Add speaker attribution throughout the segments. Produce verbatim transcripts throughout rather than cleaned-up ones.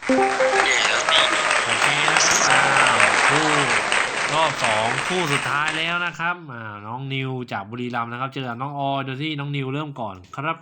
Speaker 1: แย่แล้วสิ
Speaker 2: โอเคนะครับอ้าวคู่รอบสองคู่สุดท้ายแล้วนะครับอ่าน้องนิวจากบุรีรัมย์นะครับเจอกับน้องออยโดยที่น้องนิวเริ่มก่อนครับ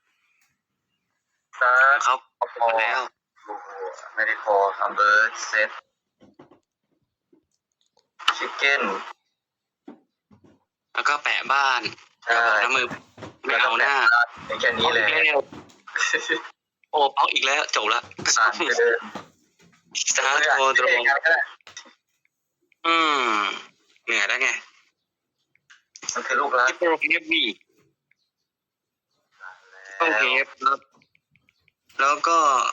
Speaker 3: ซัก
Speaker 1: เขา
Speaker 3: พอ
Speaker 1: มาแล้ว
Speaker 3: โอ้โหไม่ได้พอทำเบอร์เซตชิคเก้น
Speaker 1: แล้วก็แปะบ้านอ
Speaker 3: ใช่
Speaker 1: ย่าบอกนะมือไม่เอาหน้า
Speaker 3: ในแค่นี้เลย
Speaker 1: อีกแล้วโอ้ป๊อกอีกแล้วจบละ
Speaker 3: อ่านไปเดิน
Speaker 1: สตาร์ทโทรตรง
Speaker 3: ก็ได้
Speaker 1: อืมเหนื่อยแล้วไง
Speaker 3: มันคือลูกรัก
Speaker 1: ที่โปรเทปบีต้องเทปครับแล้วก็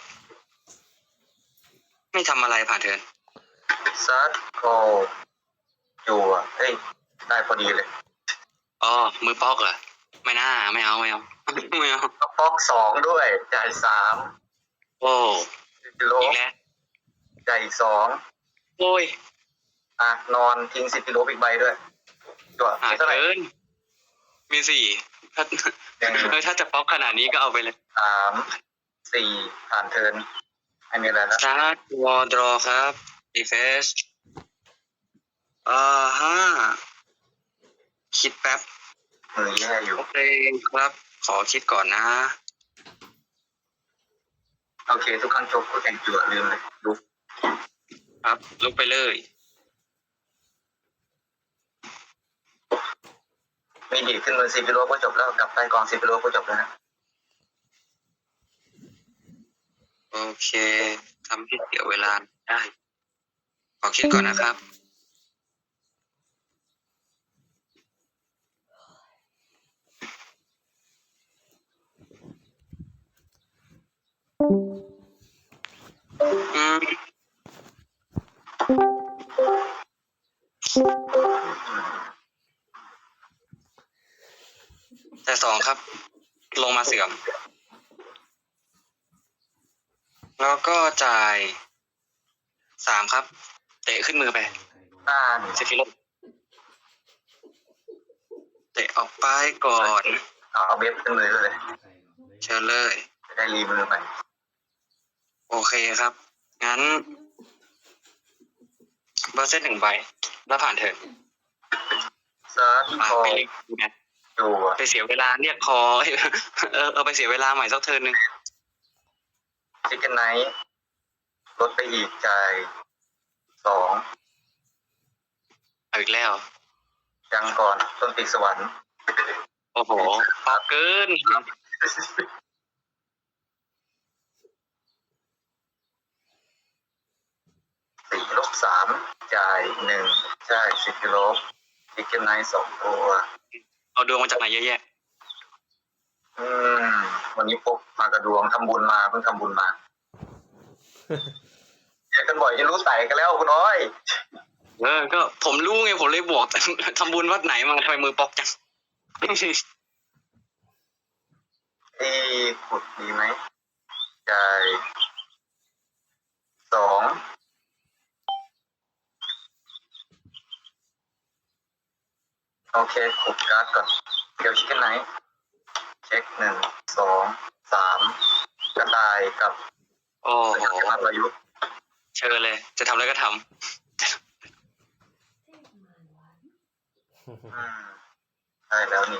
Speaker 1: ไม่ทำอะไรผ่านเทิร์น
Speaker 3: ซัดโคอยู่อ่ะเฮ้ยได้พอดีเลย
Speaker 1: อ๋อมือป๊อกเหรอไม่น่าไม่เอาไม่เอา ไม่เอา
Speaker 3: ก็ป๊อกสองด้วยจ่ายสาม
Speaker 1: โอ้
Speaker 3: สิบกิโล
Speaker 1: อีกแล้ว
Speaker 3: จ่ายอีกสอง
Speaker 1: โอ้ย
Speaker 3: อ่ะนอนทิ้งสิบกิโลอีกใบด้วยตัว
Speaker 1: หา
Speaker 3: มีเท่าไหร่
Speaker 1: เกินมีสี่ถ้า
Speaker 3: ยัง
Speaker 1: เออถ้าจะป๊อกขนาดนี้ก็เอาไปเลย
Speaker 3: สามสี่ผ่านเทิร์นอันนี้อะไรนะ
Speaker 1: สตาร์ทวอลดรอครับดีเฟสอ่าฮะคิดแป๊บ
Speaker 3: มือแย่อยู่
Speaker 1: โอเคครับ ขอคิดก่อนนะ
Speaker 3: โอเค ทุกครั้งจบก็แข่งจั่วลืมเลยลุก
Speaker 1: ครับลุกไปเลย
Speaker 3: มีดีดขึ้นมือสิบกิโลก็จบแล้วกลับใต้กองสิบกิโลก็จบแล้วนะ
Speaker 1: โอเคทำให้เสียเวลาได้ ขอคิดก่อนนะครับ อืมแต่สองครับ ลงมาเสื่อม แล้วก็จ่ายสามครับ เตะขึ้นมือไป
Speaker 3: อ่าน
Speaker 1: เซฟิโลเตะออกไปก่อน
Speaker 3: เอาเอาเว็บขึ้นมือเลย
Speaker 1: เชิญเลย
Speaker 3: จะได้รีมือไป
Speaker 1: โอเคครับ งั้นเบอร์เซตหนึ่งใบ แล้วผ่านเถอะ
Speaker 3: ซัด
Speaker 1: อ่ะ
Speaker 3: คอ
Speaker 1: ไปเรียกนะ
Speaker 3: อยู่อ่ะ
Speaker 1: ไปเสียเวลาเรียกคอ เออเอาไปเสียเวลาใหม่สักเทิร์นหนึ่ง
Speaker 3: ชิคเก้นไนท์ลดไปอีกจ่ายสอง
Speaker 1: เอาอีกแล้ว
Speaker 3: ยังก่อนต้นปีกสวรรค์
Speaker 1: โอ้โหปากเกิน
Speaker 3: สี่ลบสามจ่ายหนึ่งใช่สิบกิโลชิคเก้นไนท์สองตัว
Speaker 1: เอาดวงมาจากไหนเยอะแยะ
Speaker 3: อืมวันนี้พกมากระดวงทำบุญมาเพิ่งทำบุญมาเจอกันบ่อยจะรู้ใส่กันแล้วคุณน้อย
Speaker 1: เออ ก็ผมรู้ไงผมเลยบวก ทำบุญวัดไหนมาทำไมมือปอกจัง
Speaker 3: ที่ขุดดีไหมจ่ายสองโอเคขุดการ์ดก่อนเดี๋ยวชิคเก้นไนท์เช็คหนึ่งสองสามกระต่ายกับ
Speaker 1: โอ้
Speaker 3: สั
Speaker 1: โห
Speaker 3: ญลักษณ์วายุ
Speaker 1: เชิญเลย จะทำอะไรก็ท
Speaker 3: อืมได้แล้วนี่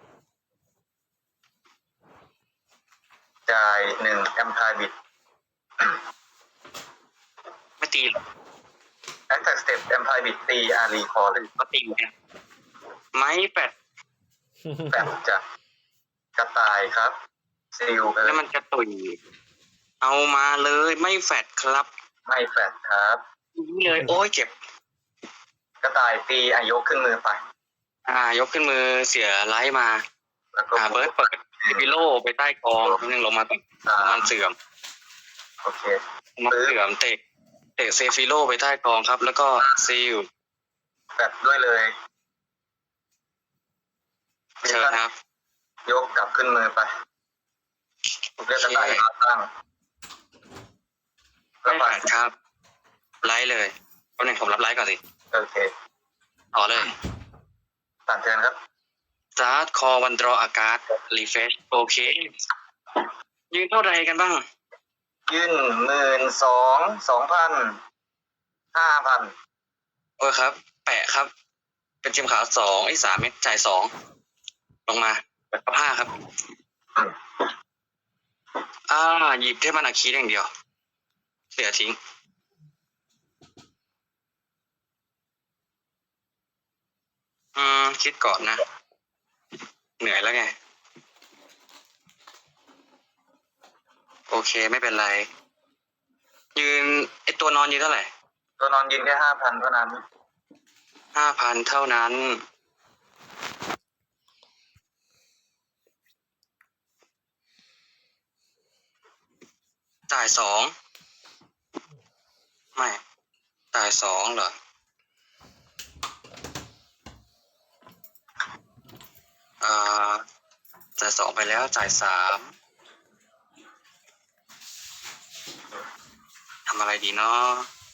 Speaker 3: จ่ายหนึ่งแอมพายบิด
Speaker 1: ำไม่ตีหรอก
Speaker 3: แอคแท็กสเต็ปแอมพายบิดตีอารีคอเลย
Speaker 1: ก็ตีเนี่ยไม้แปด
Speaker 3: แบบจะกระต่ายครับซิลไปเล
Speaker 1: แล้ว
Speaker 3: ย
Speaker 1: มันจะตุยเอามาเลยไม่แฟดครับ
Speaker 3: ไม่แฟดครับ
Speaker 1: นี่เลย โอ้ยเจ็บ
Speaker 3: กระต่ายตีอายกขึ้นมือไป
Speaker 1: อ่ายกขึ้นมือเสียไลท์มา
Speaker 3: แล้วก็
Speaker 1: อ่าเบิร์ดเปิดพิโลไปใต้กองนึงลงมาก่อน
Speaker 3: สา
Speaker 1: ประมาม ณเสื่อม
Speaker 3: โอเค
Speaker 1: ประมาณเสื่อมเตะเตะเซฟิโลไปใต้กองครับ แล้วก็ซิล
Speaker 3: แฟดด้วยเลย
Speaker 1: เชิญครับ
Speaker 3: ยกกลับขึ้นมือไปเรียกกระต่ายมาตั้งแล้
Speaker 1: ไม่
Speaker 3: ว
Speaker 1: แฟ
Speaker 3: ผ่าน
Speaker 1: ดครับ ไลท์เลยวันหนึ่งผมรับไลท์ก่อนสิ
Speaker 3: โอเค
Speaker 1: ต่อเลย
Speaker 3: ผ่านเทิร์นครับ
Speaker 1: สตาร์ทคอวันดรออากาศรีเฟชโอเค ยืนเท่าไรกันบ้าง
Speaker 3: ยื่นหมื่นสองสองพันห้าพัน
Speaker 1: โอ้ยครับ แปะครับ เป็นทีมขาวสองไอ้สามเม็ดจ่ายสองลงมาแบบห้าครับ อ่า หยิบเทพมันอาคีอย่างเดียวเหลือทิ้ง อืม คิดก่อนนะ เหนื่อยแล้วไง โอเคไม่เป็นไร ยืนไอตัวนอนยืนเท่าไหร่
Speaker 3: ตัวนอนยืนแค่ห้าพันเท่านั้น
Speaker 1: ห้าพันเท่านั้น จ่ายสองไม่ จ่ายสองเหรอ อ่า จ่ายสองไปแล้วจ่ายสามทำอะไรดีเนาะ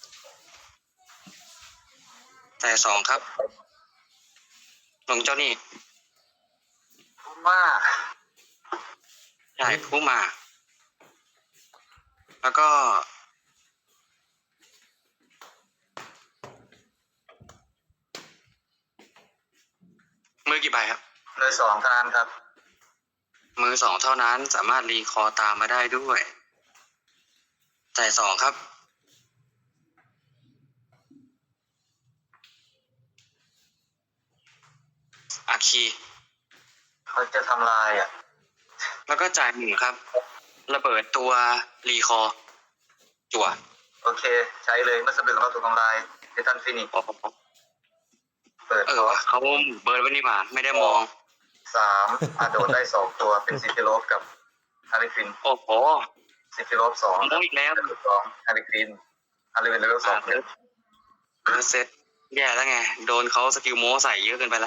Speaker 1: จ่ายสองครับ ลงเจ้านี่
Speaker 3: มาก
Speaker 1: จ่ายผู้มา แล้วก็ มือกี่ใบครับ
Speaker 3: เลยสองเท่านั้นครับ
Speaker 1: มือสองเท่านั้นสามารถรีคอตามมาได้ด้วย จ่ายสองครับ อาคี
Speaker 3: เขาจะทำลายอ่ะ
Speaker 1: แล้วก็จ่ายหนึ่งครับ ระเบิดตัวรีคอ จั่ว
Speaker 3: โอเค ใช้เลยเมื่อสะดึกเราถูกทำลายเดทันฟินิก
Speaker 1: โอ้โห
Speaker 3: เปิด
Speaker 1: เออวะเขาเบิร์ดไว้นี่หว่าไม่ได้มอง
Speaker 3: สามอาโดดได้สองตัวเป็นซิฟิโลฟกับฮาริฟิน
Speaker 1: โอ้โห
Speaker 3: ซิฟิโลฟสอง
Speaker 1: มองอีกแล้ว
Speaker 3: เลเวลสองฮาริฟินฮาริฟินเลเวลสอง
Speaker 1: เออเซตแย่แล้วไง โดนเขาสกิลโม้ใส่เยอะเกินไปแล้ว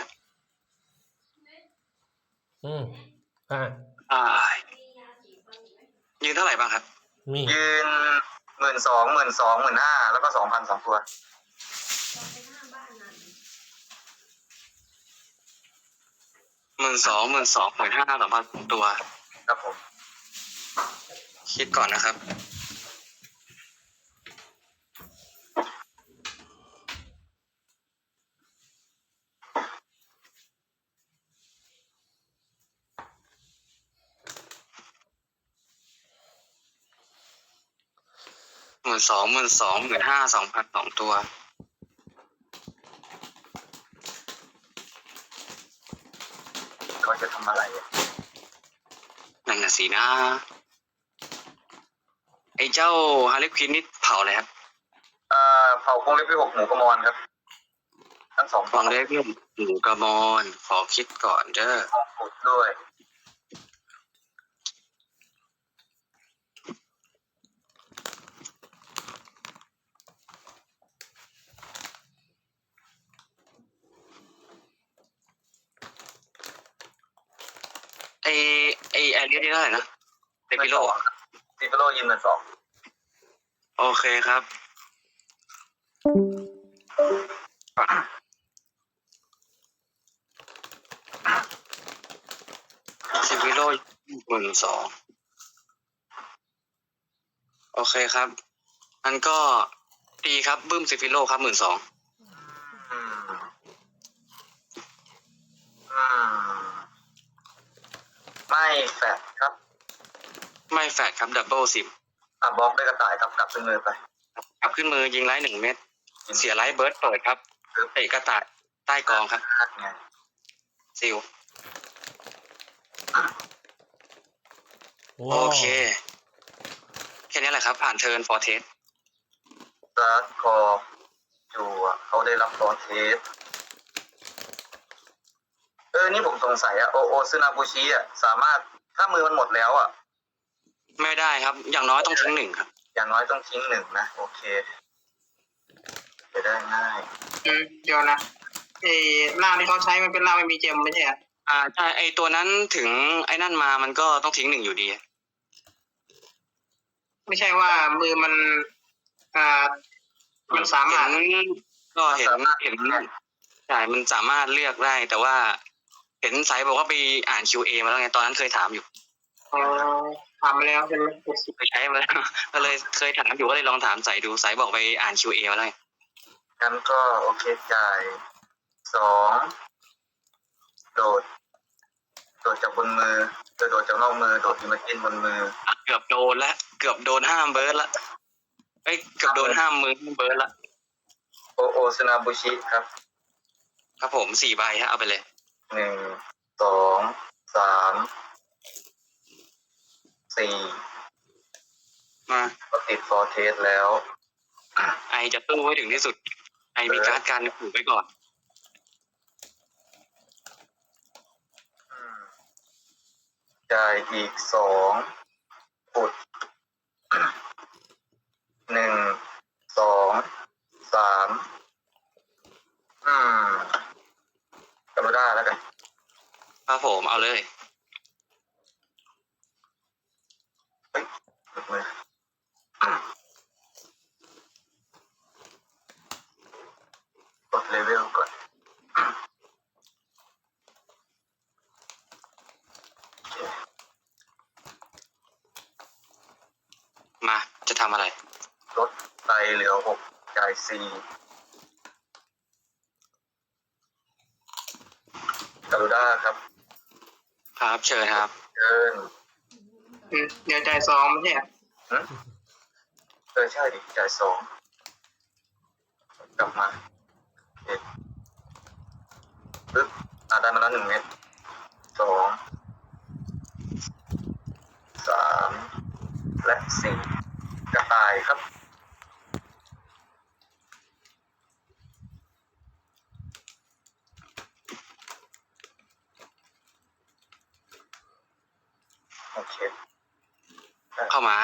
Speaker 2: อืมอ่า
Speaker 1: อ่า ยืนเท่าไหร่บ้างครับ
Speaker 2: มี
Speaker 3: ยืนหมื่นสองหมื่นสองหมื่นห้าแล้วก็สองพันสองตัว
Speaker 1: หมื่นสองหมื่นสองหมื่นห้าสองพันตัว
Speaker 3: ครับผม
Speaker 1: คิดก่อนนะครับ หมื่นสองหมื่นสองหมื่นห้าสองพันสองตัว
Speaker 3: เขาจะทำอะไรอ่ะ
Speaker 1: นั่นน่ะสินะ ไอ้เจ้าฮาริควินนี่เผาเลยครับ
Speaker 3: เอ่อเผาคงเล็บที่หกหมูกระมอนครับ ทั้งสอง
Speaker 1: ฟังได้เพื่อนหมูกระมอนขอคิดก่อนเด้อ
Speaker 3: ของขุดด้วย
Speaker 1: ไอไอแอเรียนี่เท่าไหร่นะเดปิโล
Speaker 3: ซิฟิโลยืนหมื่นสอง
Speaker 1: โอเคครับ ซิฟิโลหมื่นสองโอเคครับอันก็ตีครับบึ้มซิฟิโลครับหมื่นสอง
Speaker 3: อืมอืมไม่แฟดครับ
Speaker 1: ไม่แฟดครับดับเบิลสิบ
Speaker 3: อ่ะบล็อกด้วยกระต่ายครับกลับขึ้นมือไป
Speaker 1: กลับขึ้นมือยิงไลท์หนึ่งเม็ดเสียไลท์เบิร์ดเปิดครับเตะกระต่ายใต้กองครับ
Speaker 3: นัดไง
Speaker 1: ซิล
Speaker 2: ว้า
Speaker 1: โอ
Speaker 2: ว
Speaker 1: เค แค่นี้แหละครับ ผ่านเทิร์นฟอร์เทส
Speaker 3: ซาร์ดคออยู่อ่ะเขาได้รับตอนเทสเออนี่ผมสงสัยอ่ะโอโอซึนาบุชิอ่ะสามารถถ้ามือมันหมดแล้วอ่ะ
Speaker 1: ไม่ได้ครับ อย่างน้อยต้องทิ้งหนึ่งครับ
Speaker 3: อย่างน้อยต้องทิ้งหนึ่งนะ โอเคจะได้ง่าย
Speaker 4: อืมเดี๋ยวนะไอ้ร่างที่เขาใช้มันเป็นร่างไม่มีเจมไม่ใช่เหรอ
Speaker 1: อ่าใช่ไอตัวนั้นถึงไอ้นั่นมามันก็ต้องทิ้งหนึ่งอยู่ดี
Speaker 4: ไม่ใช่ว่ามือมันอ่ามันสามารถ
Speaker 1: เห็นก็เห็นเห็นใช่มันสามารถเลือกได้ แต่ว่า เห็นสายบอกว่าไปอ่าน คิว เอ มาแล้วไงตอนนั้นเคยถามอยู่
Speaker 4: อ๋อถามมาแล้วใช่ไหม
Speaker 1: ไปใช้มาแล้ว ก็เลยเคยถามอยู่ก็เลยลองถามสายดูสายบอกไปอ่าน คิว เอ มาแล้ว
Speaker 3: งั้นก็โอเคจ่ายสองโดด โดดจากบนมือโดดโดดจากนอกมือโดดอิมเมจินบนมือ
Speaker 1: เกือบโดนละเกือบโดนห้ามเบิร์ดละเอ้ยเกือบโดนห้ามมือห้ามเบิร์ดละ
Speaker 3: โอโอสนาบุชิครับ
Speaker 1: ครับผมสี่ใบฮะเอาไปเลย
Speaker 3: หนึ่งสองสามสี่
Speaker 1: มา
Speaker 3: ก็ติดฟอร์เทสแล้ว
Speaker 1: ไอจะตู้ไว้ถึงที่สุด ไอมีการ์ดการขู่ไว้ก่อน
Speaker 3: อืมจ่ายอีกสองปุด หนึ่งสองสามอืมกรุด้าแล้วกัน
Speaker 1: ครับผมเอาเลย
Speaker 3: หลุดมือ กดเลเวลก่อน
Speaker 1: มาจะทำอะไร
Speaker 3: ลดไปเหลือหกจ่ายสี่กรุด้าครับ
Speaker 1: ครับเชิญครับ
Speaker 3: เชิญ
Speaker 4: อืมเดี๋ยวจ่ายสองไม่ใช่เหรอ
Speaker 3: หึเออใช่ดิจ่ายสองกลับมาเอ็ดปึ๊บอ่าได้มาแล้วหนึ่งเม็ดสองสามและสี่กระต่ายครับ โอเค
Speaker 1: เข้ามา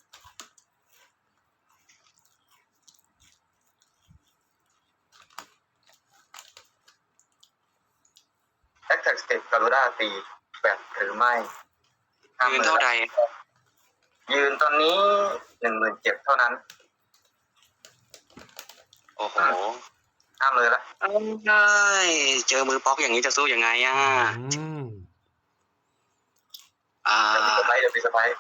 Speaker 3: แอคแท็กสเต็ปกรุด้าตีแบตหรือไม่
Speaker 1: ยืนเท่าใด
Speaker 3: ยืนตอนนี้หนึ่งหมื่นเจ็ดเท่านั้น
Speaker 1: โอ้โห
Speaker 3: ห้ามือละ
Speaker 1: เอาได้เจอมือป๊อกอย่างนี้จะสู้ยังไงอ่ะ
Speaker 2: อืม
Speaker 1: อ่า
Speaker 3: เดี๋ยวมีสไปร์เดี๋ยวมีสไปร์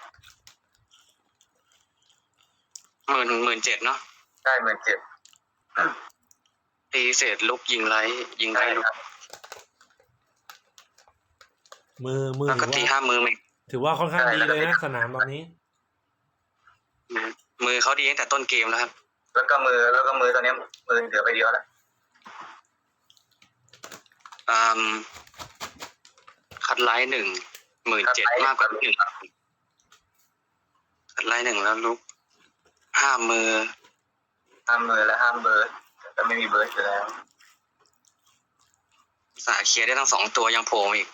Speaker 1: หมื่นหมื่นเจ็ดเนาะ
Speaker 3: ได้หมื่นเจ็ด
Speaker 1: ตีเศษลุกยิงไรยิงไร
Speaker 3: ได้
Speaker 1: ลุก
Speaker 3: ครับ
Speaker 2: มือมือ
Speaker 1: แล้วก็
Speaker 2: ถื
Speaker 1: ตี
Speaker 2: อว่า
Speaker 1: ห้ามือไหม
Speaker 2: ถือว่าค่อนข้างดีเลยนะสนามตอนนี้
Speaker 1: มือเขาดีตั้งแต่ต้นเกมแล้วครับ
Speaker 3: แล้วก็มือแล้วก็มือตอนนี้มือเหลือไปเดียวแล้ว
Speaker 1: อืมคัดไลท์หนึ่งหมื่นเจ็ดมากกว่าหนึ่งคัดไลท์หนึ่งแล้วลุกห้ามือ
Speaker 3: ห้ามมือและห้ามเบิร์ดแต่ไม่มีเบิร์ดอยู่แล้ว
Speaker 1: สาเคลียร์ได้ทั้งสองตัวยังโผล่มาอีก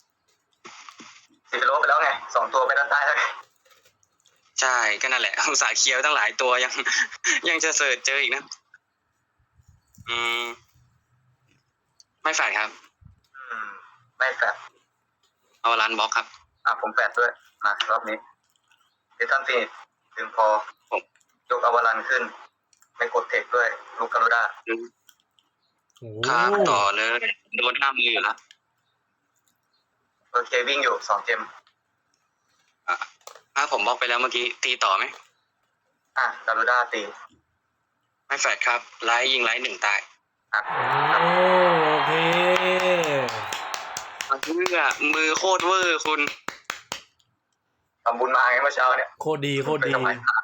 Speaker 3: สิบโลไปแล้วไงสองตัวไปด้านใต้แล้วไง
Speaker 1: ใช่ก็นั่นแหละ อุตสาห์เคลียร์ไว้ตั้งหลายตัวยัง ยังจะเสิร์ชเจออีกนะ อืม ไม่แฝดครับ
Speaker 3: อืมไม่แฟด
Speaker 1: เอารันบล็อกครับ
Speaker 3: อ่ะผมแฟดด้วยมารอบนี้เดทันฟินิชถึงพอ
Speaker 1: ผม
Speaker 3: ยกอวารันขึ้น ไม่กดเทคด้วยลูกกรุด้า
Speaker 2: โอ้
Speaker 1: ครับต่อเลยโดนห้ามืออยู่แล้ว
Speaker 3: โอเควิ่งอยู่สองเจม
Speaker 1: ถ้าผมบล็อกไปแล้วเมื่อกี้ตีต่อไหม
Speaker 3: อ่ะกรุด้าตี
Speaker 1: ไม่แฝดครับไลท์ยิงไลท์หนึ่งตาย
Speaker 3: อ่ะ
Speaker 2: โอ้โอเค
Speaker 1: เพื่อมือโคตรเวอร์คุณ
Speaker 3: ทำบุญมาไงเมื่อเช้าเนี่ย
Speaker 2: โคตรดีโคตรดี
Speaker 3: ไปทำไม